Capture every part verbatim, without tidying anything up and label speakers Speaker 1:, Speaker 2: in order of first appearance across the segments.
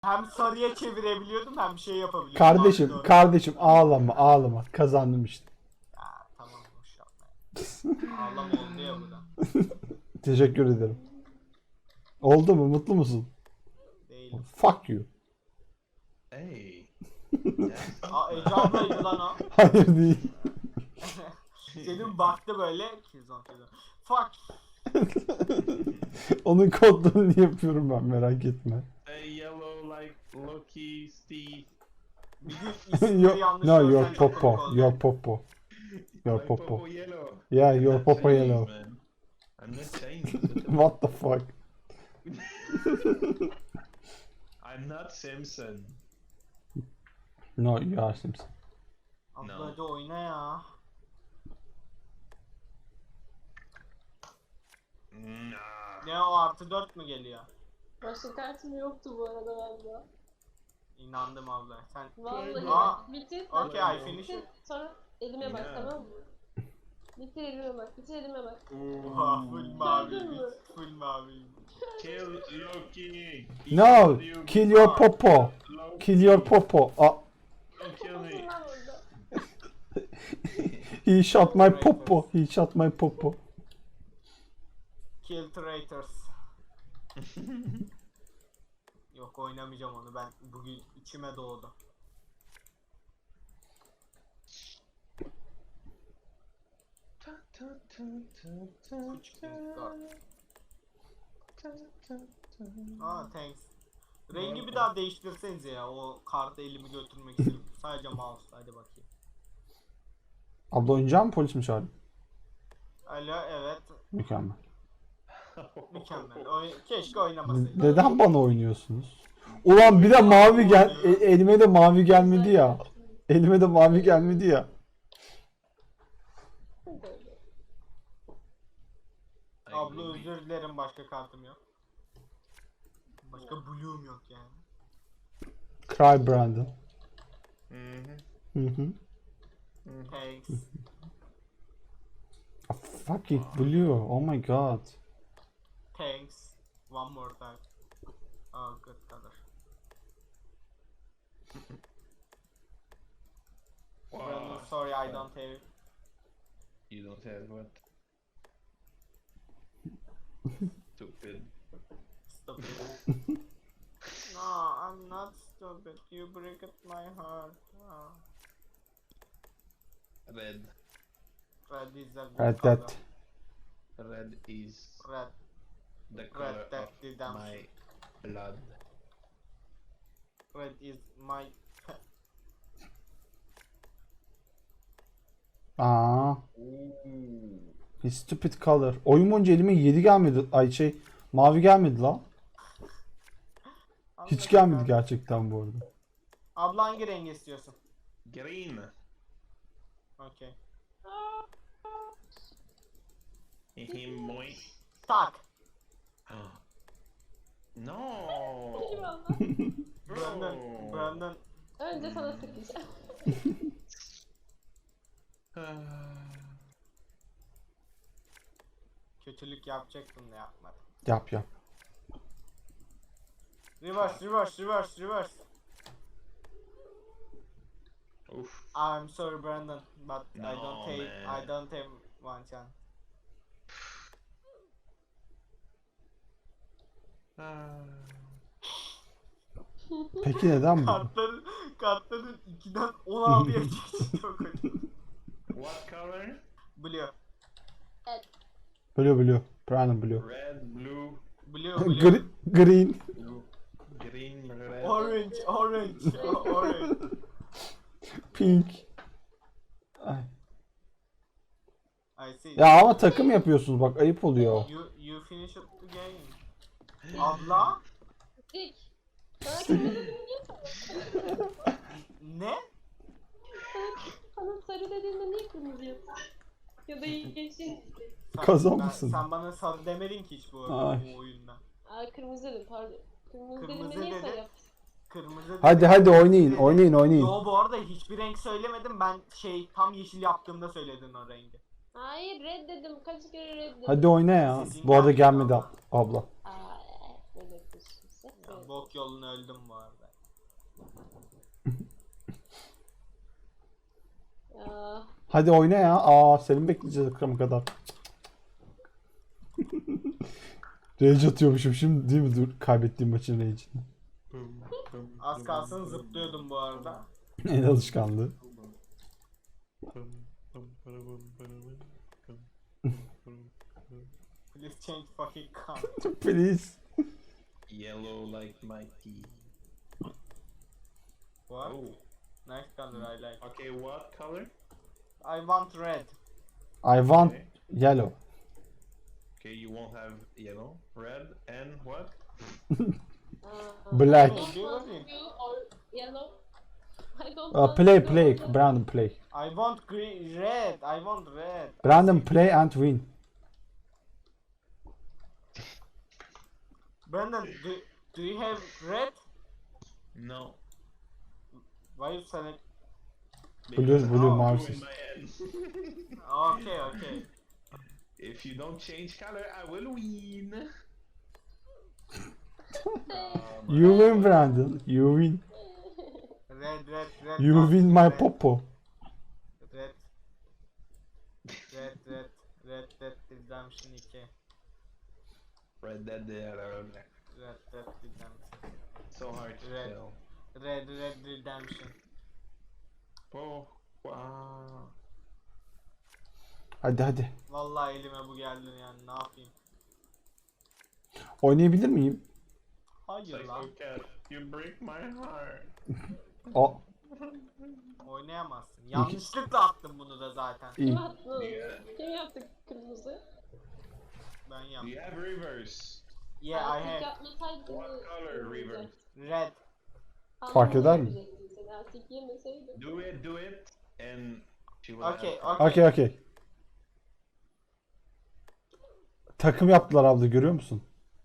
Speaker 1: Hem sarıya çevirebiliyordum hem şey yapabiliyordum.
Speaker 2: Kardeşim,
Speaker 1: Abi, doğru.
Speaker 2: kardeşim ağlama, ağlama. Kazandım işte.
Speaker 1: Ya tamam boş yapma ya. Ağlama oldu ya bu da.
Speaker 2: Teşekkür ederim. Oldu mu? Mutlu musun?
Speaker 1: Değilim.
Speaker 2: Fuck you.
Speaker 3: Hey.
Speaker 1: Aa Ece ablaydı lan o.
Speaker 2: Hayır değil.
Speaker 1: Senin baktı böyle. Kizon kizon. Fuck.
Speaker 2: Onun kodlarını yapıyorum ben, merak etme.
Speaker 3: Hey, yellow like Loki, Steve.
Speaker 1: Bir gün isimleri
Speaker 2: Yo,
Speaker 1: yanlış
Speaker 2: no,
Speaker 1: görsen
Speaker 2: your
Speaker 1: çok komik
Speaker 2: popo,
Speaker 1: olacak.
Speaker 2: your popo. Your
Speaker 3: My
Speaker 2: popo.
Speaker 3: Popo yellow.
Speaker 2: Yeah, your
Speaker 3: I'm not
Speaker 2: popo
Speaker 3: Chinese,
Speaker 2: yellow.
Speaker 3: man. I'm not Chinese.
Speaker 2: What the fuck?
Speaker 3: I'm not Simpson.
Speaker 2: No, you are Simpson.
Speaker 1: Abla
Speaker 3: No.
Speaker 1: hadi oyna ya.
Speaker 3: Nah.
Speaker 1: Ne o artı dört mü geliyor?
Speaker 4: Başka kartım yoktu bu arada valla.
Speaker 1: İnandım abla. Sen
Speaker 4: Vallahi
Speaker 1: Aa,
Speaker 4: bak. Bitir.
Speaker 1: okay,
Speaker 4: bak,
Speaker 1: I finish
Speaker 4: bitir.
Speaker 1: it.
Speaker 4: Sonra elime bak
Speaker 3: Yeah.
Speaker 4: tamam mı? Bitir elime bak. Bitir elime bak.
Speaker 1: Oha full mavi.
Speaker 4: Gördün mü?
Speaker 1: Full mavi.
Speaker 3: Kill Loki.
Speaker 2: No, kill your popo.
Speaker 3: Loki.
Speaker 2: Kill your popo. Ah,
Speaker 3: Don't kill me.
Speaker 4: Bakın lan orada.
Speaker 2: he shot my popo. He shot my popo.
Speaker 1: Kill traitors. Yok oynamayacağım onu ben bugün içime doğdu. Küçük bir kart. Aa thanks. Rengi bir daha değiştirsenize ya o kartı elimi götürmek istiyorum. Sadece mouse hadi bakayım.
Speaker 2: Abla oynayacak mı, polis mi çağırayım?
Speaker 1: Alo evet
Speaker 2: Mükemmel.
Speaker 1: mükemmel. Oy keşke oynamasaydım.
Speaker 2: Neden bana oynuyorsunuz? Ulan bir de mavi gel, e- elime de mavi gelmedi ya. Elime de mavi gelmedi ya.
Speaker 1: Abla özür dilerim başka kartım yok. Başka blue'um yok yani.
Speaker 2: Cry Brandon.
Speaker 3: Mhm.
Speaker 2: Hı hı.
Speaker 1: Thanks.
Speaker 2: A fucking blue. Oh my god.
Speaker 1: Thanks. One more time. Oh good color. Brandon,
Speaker 3: Wow.
Speaker 1: sorry I don't have it.
Speaker 3: You don't have what? Stupid.
Speaker 1: Stupid. No, I'm not stupid. You break my heart. Oh.
Speaker 3: Red.
Speaker 1: Red is a good
Speaker 2: Red
Speaker 1: color.
Speaker 2: Dead.
Speaker 3: Red is
Speaker 1: Red.
Speaker 3: the color
Speaker 1: Red Dead
Speaker 3: of
Speaker 1: Redemption.
Speaker 3: my blood.
Speaker 1: Red is my
Speaker 2: Aa,
Speaker 3: Ooh.
Speaker 2: his stupid color. Oyun boyunca elime yedi gelmedi. Ay şey, mavi gelmedi lan. Hiç gelmedi gerçekten bu arada.
Speaker 1: Abla hangi rengi istiyorsun?
Speaker 3: Green.
Speaker 1: Okay.
Speaker 3: Him boy.
Speaker 1: Tak.
Speaker 3: No.
Speaker 4: Eyvallah.
Speaker 1: Brandon.
Speaker 3: Bro.
Speaker 1: Brandon.
Speaker 4: Önce sana sıkacağım.
Speaker 1: Kötülük yapacaktım da yapmadım.
Speaker 2: Yap yap.
Speaker 1: Reverse, reverse, reverse, reverse.
Speaker 3: Oof.
Speaker 1: I'm sorry, Brandon, but I
Speaker 3: No,
Speaker 1: don't have,
Speaker 3: man.
Speaker 1: I don't have one chance.
Speaker 3: Ah.
Speaker 2: Peki neden bu?
Speaker 1: Kartların, kartların ikiden on altıya çıktı çok kötü.
Speaker 3: What color?
Speaker 1: Blue,
Speaker 4: Evet.
Speaker 2: Blue blue. Brandon blue.
Speaker 3: Red, blue,
Speaker 1: blue, blue.
Speaker 2: Gre- green.
Speaker 3: blue, green, red.
Speaker 1: Orange, orange, o- orange.
Speaker 2: Pink. Ay.
Speaker 1: I see.
Speaker 2: Ya ama takım yapıyorsunuz bak, ayıp oluyor.
Speaker 1: You, you finish up the game. Abla,
Speaker 4: Dik. Bana kırmızı dediğinde niye sarı?
Speaker 1: ne?
Speaker 4: Bana sarı dediğinde niye kırmızı yapıyorsun? Ya da yeşil.
Speaker 1: Sen,
Speaker 2: Kazanmışsın.
Speaker 1: ben- sen bana sarı demedin ki hiç bu,
Speaker 2: Ay.
Speaker 1: bu oyunda.
Speaker 4: Aa kırmızı dedim pardon. Kırmızı,
Speaker 1: Kırmızı
Speaker 4: dediğinde niye
Speaker 1: dedi.
Speaker 4: sarı yaptın?
Speaker 1: Kırmızı
Speaker 2: Hadi
Speaker 1: dedi,
Speaker 2: hadi oynayın,
Speaker 1: dedi.
Speaker 2: oynayın oynayın.
Speaker 1: Yo bu arada hiçbir renk söylemedim, ben şey tam yeşil yaptığımda söyledin o rengi.
Speaker 4: Hayır red dedim. Kaç kere red dedim.
Speaker 2: Hadi oyna ya.
Speaker 1: Sizin
Speaker 2: Bu arada
Speaker 1: gelmedi
Speaker 2: gelmedi
Speaker 1: abla.
Speaker 2: ab- abla.
Speaker 4: Aa ne bekliyorsun sen?
Speaker 1: Ben bok yolunu öldüm bu arada.
Speaker 4: Ya.
Speaker 2: Hadi oyna ya. Aa seni bekleyeceğiz akşama kadar. Rage atıyormuşum şimdi değil mi? Dur kaybettiğim maçın rage'ini.
Speaker 1: Az kalsın zıplıyordum bu arada.
Speaker 2: En alışkanlığı.
Speaker 1: Please change fucking car.
Speaker 2: Please.
Speaker 3: Yellow like my tea.
Speaker 1: What?
Speaker 3: Oh.
Speaker 1: Nice color, I like.
Speaker 3: Okay, what color?
Speaker 1: I want red.
Speaker 2: I want
Speaker 3: Okay.
Speaker 2: yellow.
Speaker 3: Okay, you won't have yellow, red, and what?
Speaker 4: Uh,
Speaker 2: Black.
Speaker 4: I don't want blue or yellow. I don't
Speaker 2: Uh,
Speaker 4: want
Speaker 2: play
Speaker 4: blue
Speaker 2: play.
Speaker 4: or yellow.
Speaker 2: Brandon play.
Speaker 1: I want green, red. I want red.
Speaker 2: Brandon play and win.
Speaker 1: Brandon, do, do you have red?
Speaker 3: No.
Speaker 1: Why you select?
Speaker 2: Blue,
Speaker 3: Because
Speaker 2: blue,
Speaker 3: I'm
Speaker 2: mouse.
Speaker 3: in my head.
Speaker 1: Okay, okay.
Speaker 3: If you don't change color, I will win.
Speaker 2: You win Brandon. You win.
Speaker 1: Red, red, red.
Speaker 2: You
Speaker 1: not
Speaker 2: win my
Speaker 1: red.
Speaker 2: popo.
Speaker 1: Red. Red, red, red, red redemption two.
Speaker 3: Red Dead Redemption.
Speaker 1: Red, red redemption.
Speaker 3: So hard to
Speaker 1: Red.
Speaker 3: tell.
Speaker 1: Red, red redemption.
Speaker 3: Oh, wow.
Speaker 2: Hadi hadi.
Speaker 1: Vallahi elime bu geldi yani ne yapayım?
Speaker 2: Oynayabilir miyim?
Speaker 1: Hayır lan.
Speaker 3: Psycho Cat, you break my heart.
Speaker 2: O
Speaker 1: Oynayamazsın. Yanlışlıkla attım bunu da zaten.
Speaker 2: iyi.
Speaker 4: Kim attı?
Speaker 3: Yeah.
Speaker 4: Kim yaptı kırmızı?
Speaker 1: Ben
Speaker 3: Do
Speaker 1: yaptım.
Speaker 3: you have reverse?
Speaker 1: Yeah, I
Speaker 4: Artık
Speaker 1: have
Speaker 4: yapmasaydın
Speaker 3: What
Speaker 4: mı?
Speaker 3: color reverse?
Speaker 1: red.
Speaker 2: Fark eder mi?
Speaker 4: Yapacaktın sen, artık yemeseydin.
Speaker 3: Do it, do it, and she will
Speaker 1: Okay,
Speaker 3: have
Speaker 1: okay.
Speaker 2: Okey okey. Takım yaptılar abla görüyor musun?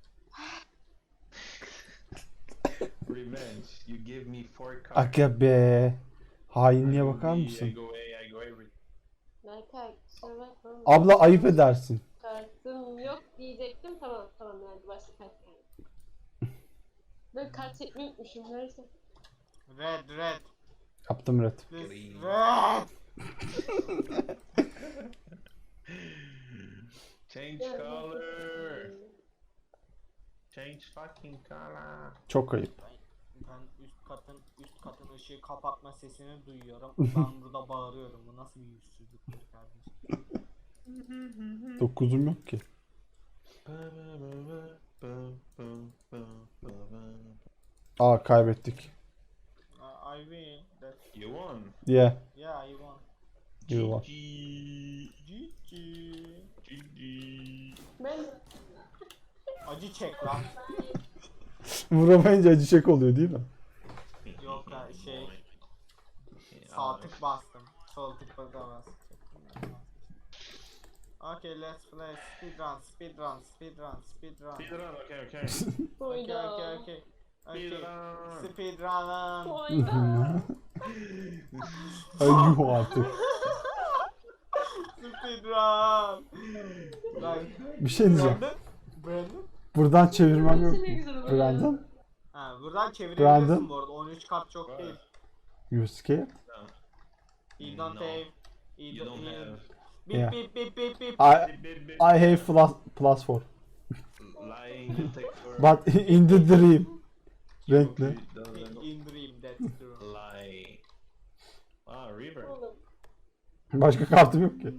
Speaker 3: revenge. You give me four cards.
Speaker 2: Aga be. Hainliğe
Speaker 3: I
Speaker 2: bakar
Speaker 3: go B,
Speaker 2: mısın?
Speaker 3: I go A, I go every.
Speaker 4: Berkay kusura bakma.
Speaker 2: Abla ayıp edersin.
Speaker 4: Kartım yok diyecektim. Tamam tamam yani başka kart geldi. Ben kart çekmeyi unutmuşum neyse.
Speaker 1: Red, red.
Speaker 2: Yaptım red.
Speaker 1: This
Speaker 3: Green.
Speaker 1: red.
Speaker 3: Change color. Change fucking color.
Speaker 2: Çok ayıp.
Speaker 1: Ben üst katın üst katın ışığı kapatma sesini duyuyorum. Ben burada bağırıyorum. Bu nasıl bir yüzsüzlüktür kardeşim?
Speaker 2: Dokuzum yok ki. Aa kaybettik.
Speaker 1: Uh, I win. That's,
Speaker 3: You won.
Speaker 2: Yeah.
Speaker 1: yeah, I won.
Speaker 2: You won.
Speaker 3: G
Speaker 1: G G.
Speaker 3: G. G.
Speaker 4: Ben
Speaker 1: Acı çek lan.
Speaker 2: Vuramayınca acı çek oluyor değil mi?
Speaker 1: Yok ha şey sağ tık bastım. Sol tık basamaz. Okay, let's play speedrun, speedrun, speedrun, speedrun.
Speaker 3: Speedrun, okay, okay.
Speaker 1: Okay,
Speaker 4: Oyda.
Speaker 1: okay, okay. Okay,
Speaker 3: Speedrun.
Speaker 1: speedrun.
Speaker 4: Oyda.
Speaker 2: Ay yuh artık.
Speaker 1: Speedrun. Lan.
Speaker 2: Bir şey diyeceğim.
Speaker 1: Brandon? Brandon?
Speaker 2: Buradan çevirmem yok mu?
Speaker 4: Ne güzel oluyor.
Speaker 2: Brandon?
Speaker 1: Ha, buradan çevirebilirsin
Speaker 2: Brandon?
Speaker 1: bu arada. on üç kat çok
Speaker 3: Var.
Speaker 1: değil.
Speaker 2: You scared?
Speaker 3: No.
Speaker 1: He don't
Speaker 3: No.
Speaker 1: have. He
Speaker 3: You don't
Speaker 1: he-
Speaker 3: have.
Speaker 1: Beep
Speaker 2: Yeah.
Speaker 1: beep beep beep beep.
Speaker 2: I
Speaker 3: Bip, bip, bip.
Speaker 2: I have plus plus four.
Speaker 3: Lying detector.
Speaker 2: But in the dream. Renkli.
Speaker 3: It doesn't
Speaker 1: In dream, that's true.
Speaker 3: lie. Ah, river.
Speaker 4: Oğlum.
Speaker 2: Başka kartım yok ki.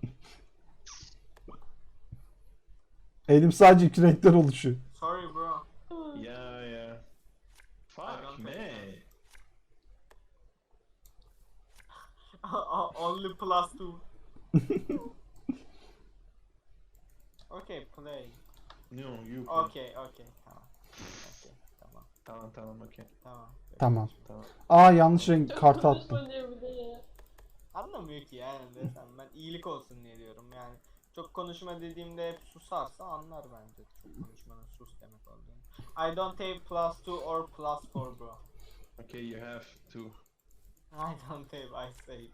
Speaker 2: Elim sadece iki renkten oluşuyor.
Speaker 1: Sorry bro.
Speaker 3: Yeah, yeah.
Speaker 1: I
Speaker 3: Fuck
Speaker 1: don't
Speaker 3: me.
Speaker 1: Only plus two. Okay, play.
Speaker 3: No, you. play.
Speaker 1: Okay, okay, tamam. Okay, tamam,
Speaker 3: Tamam, tamam, okay.
Speaker 1: tamam.
Speaker 2: Tamam.
Speaker 3: Tamam.
Speaker 2: Aa yanlış renk
Speaker 4: Çok
Speaker 2: kart attım.
Speaker 4: konuşma diyor bir de ya.
Speaker 1: Anlamıyor ki yani desem ben iyilik olsun diye diyorum yani. Çok konuşma dediğimde hep susarsa anlar bence çok konuşmanın sus demek olduğunu. I don't have plus two or plus four bro.
Speaker 3: Okay, you have to.
Speaker 1: I don't have, I say.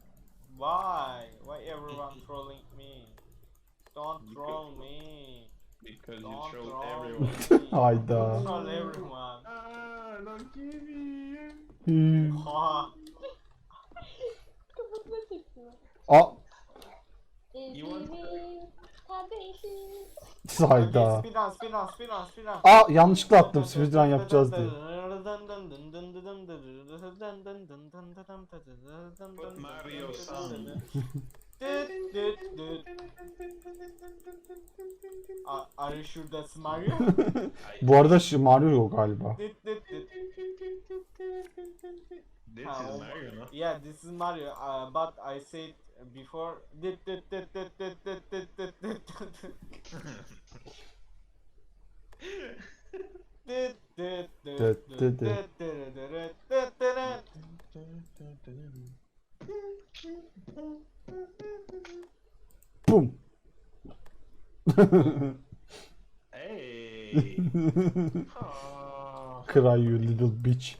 Speaker 1: Why? Why everyone trolling me? Don't
Speaker 3: You
Speaker 1: troll
Speaker 3: could-
Speaker 1: me.
Speaker 3: Because you
Speaker 1: Don't
Speaker 3: trolled
Speaker 1: troll
Speaker 3: everyone.
Speaker 1: me.
Speaker 2: Hayda.
Speaker 1: Don't troll everyone.
Speaker 3: Ah, don't give me.
Speaker 2: Hmm.
Speaker 1: Ha.
Speaker 4: Kafasına çektim.
Speaker 2: Aa,
Speaker 4: Ezimin kardeşim.
Speaker 2: hayda.
Speaker 1: Speedrun, speedrun, speedrun, speedrun.
Speaker 2: Aa, yanlışlıkla attım speedrun yapacağız diye.
Speaker 3: Put Mario song.
Speaker 1: Düt, düt, düt. A- Are you sure that's Mario?
Speaker 2: Bu arada şu Mario yok galiba.
Speaker 1: Düt, düt, düt.
Speaker 3: This
Speaker 1: Ha,
Speaker 3: is
Speaker 1: o-
Speaker 3: Mario, no?
Speaker 1: Yeah, this is Mario, uh, but I said before. Düt, düt, düt, düt, düt, düt, düt, düt, düt, düt. Düt, düt, düt,
Speaker 2: Düt,
Speaker 1: düt,
Speaker 2: düt, düt.
Speaker 1: düt, düt, düt, düt, düt.
Speaker 2: Bum.
Speaker 3: Hey. Ah.
Speaker 2: Cry you little bitch.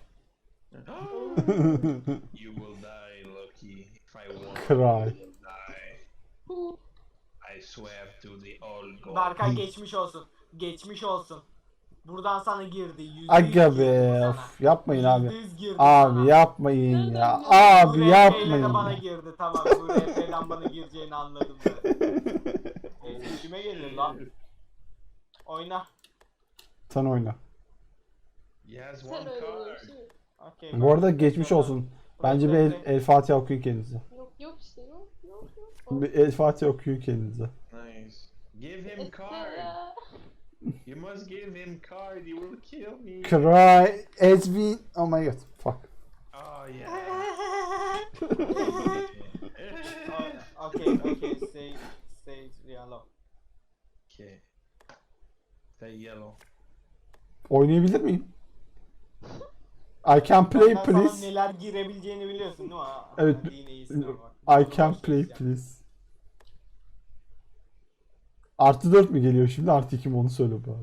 Speaker 3: You will die, Loki. If I want,
Speaker 2: Cry.
Speaker 3: you will die.
Speaker 4: Hu.
Speaker 3: I swear to the old god.
Speaker 1: Berkay geçmiş olsun. Geçmiş olsun. Buradan sana girdi. Yüzde yüz
Speaker 2: Aga
Speaker 1: girdi
Speaker 2: be,
Speaker 1: sana.
Speaker 2: of, yapmayın abi.
Speaker 1: Yüzde yüz girdi
Speaker 2: Abi
Speaker 1: sana.
Speaker 2: yapmayın ya.
Speaker 1: Bu
Speaker 2: Abi
Speaker 1: R P ile
Speaker 2: yapmayın.
Speaker 1: de bana
Speaker 2: ya.
Speaker 1: girdi, tamam. Bu R P'den bana gireceğini anladım ben. E, İşime gelir lan. Oyna.
Speaker 2: Sen oyna.
Speaker 3: He has
Speaker 4: Sen
Speaker 3: one
Speaker 4: öyle
Speaker 3: card.
Speaker 4: diyorsun.
Speaker 1: Okay,
Speaker 2: Bu arada geçmiş olsun. Bence bir el, el Fatiha okuyun kendinize.
Speaker 4: Yok yok işte yok yok yok.
Speaker 2: Bir el Fatiha okuyun kendinize.
Speaker 3: Nice. Give him card.
Speaker 4: Estela.
Speaker 3: You must give him card. He will kill me.
Speaker 2: Cry as we... Oh my god. Fuck.
Speaker 3: Oh yeah.
Speaker 1: Oh, okay, okay, stay, stay yellow.
Speaker 3: Okay. Stay yellow.
Speaker 2: Oynayabilir miyim? I can play
Speaker 1: Benden sana
Speaker 2: please.
Speaker 1: neler girebileceğini biliyorsun değil mi? Ha,
Speaker 2: Evet.
Speaker 1: hadi yine iyisin ama bak.
Speaker 2: I can play please. Artı dört mü geliyor şimdi, artı iki mi, onu söyle bari.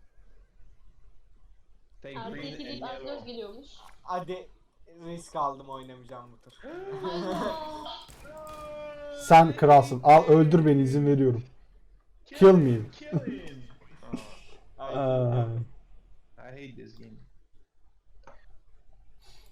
Speaker 3: Stay
Speaker 4: Artı
Speaker 3: green
Speaker 4: iki
Speaker 3: and
Speaker 4: deyip artı dört
Speaker 3: yellow.
Speaker 4: geliyormuş.
Speaker 1: Hadi risk aldım, oynamayacağım bu tur.
Speaker 2: Sen kralsın. Al öldür beni, izin veriyorum. Kill me.
Speaker 3: Kill him. Oh,
Speaker 1: Ay,
Speaker 2: Aa,
Speaker 3: I hate this game